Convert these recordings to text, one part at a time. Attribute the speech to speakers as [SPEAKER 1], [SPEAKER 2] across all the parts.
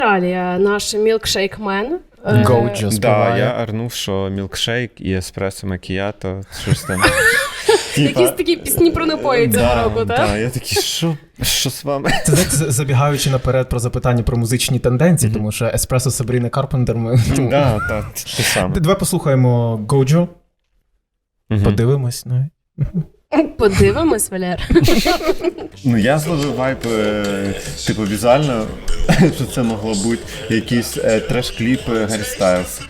[SPEAKER 1] Австралія, наш мілкшейкмен.
[SPEAKER 2] Гоуджо
[SPEAKER 3] Да,
[SPEAKER 2] співає.
[SPEAKER 3] я орнув, що мілкшейк і еспресо макіято, щось там.
[SPEAKER 1] Якісь такі пісні про напої цього року, так?
[SPEAKER 3] Так, я такий, що з вами?
[SPEAKER 2] Це, знаєте, забігаючи наперед про запитання про музичні тенденції, тому що Еспресо Сабріни Карпентер ми...
[SPEAKER 3] Так, те саме.
[SPEAKER 2] Давай послухаємо Гоуджо, подивимось. Ну.
[SPEAKER 1] Подивимось, Валер.
[SPEAKER 3] Ну, я зловив вайб, типу, візуально, що це могло бути якийсь треш-кліп Гаррі Стайлз.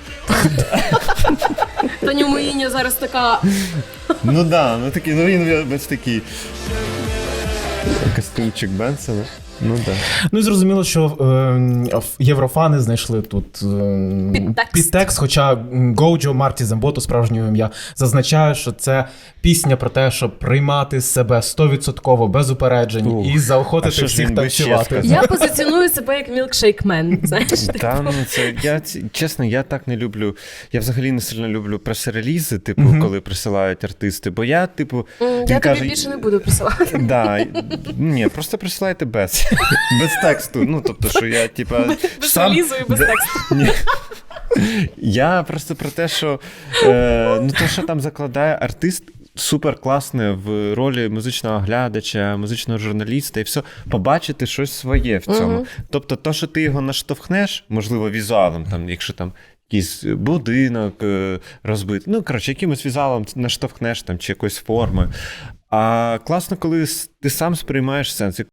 [SPEAKER 1] Таню Моїня зараз така...
[SPEAKER 3] Ну да, ну такий, ну він весь такий. Костюмчик Бенсона. Ну да.
[SPEAKER 2] Ну і зрозуміло, що єврофани знайшли тут підтекст, хоча Гоуджо Марті Зембото, справжнє ім'я, зазначає, що це пісня про те, щоб приймати себе 100% без упереджень і заохотити всіх танцювати.
[SPEAKER 1] Я позиціоную себе як мілкшейкмен, знаєш?
[SPEAKER 3] Та, ну це, чесно, я так не люблю, я взагалі не сильно люблю прес-релізи, типу, коли присилають артисти, бо я, типу...
[SPEAKER 1] Я тобі більше не буду присилати.
[SPEAKER 3] Да, ні, просто присилайте без тексту, ну, тобто, що я, типа...
[SPEAKER 1] Без релізу і без тексту.
[SPEAKER 3] Ні. Я просто про те, що ну, то, що там закладає артист, супер класне в ролі музичного глядача, музичного журналіста і все, побачити щось своє в цьому. Тобто, то, що ти його наштовхнеш, можливо, візуалом, там, якщо там якийсь будинок розбитий, ну, коротше, якимось візуалом наштовхнеш там, чи якоюсь формою. А класно, коли ти сам сприймаєш сенс.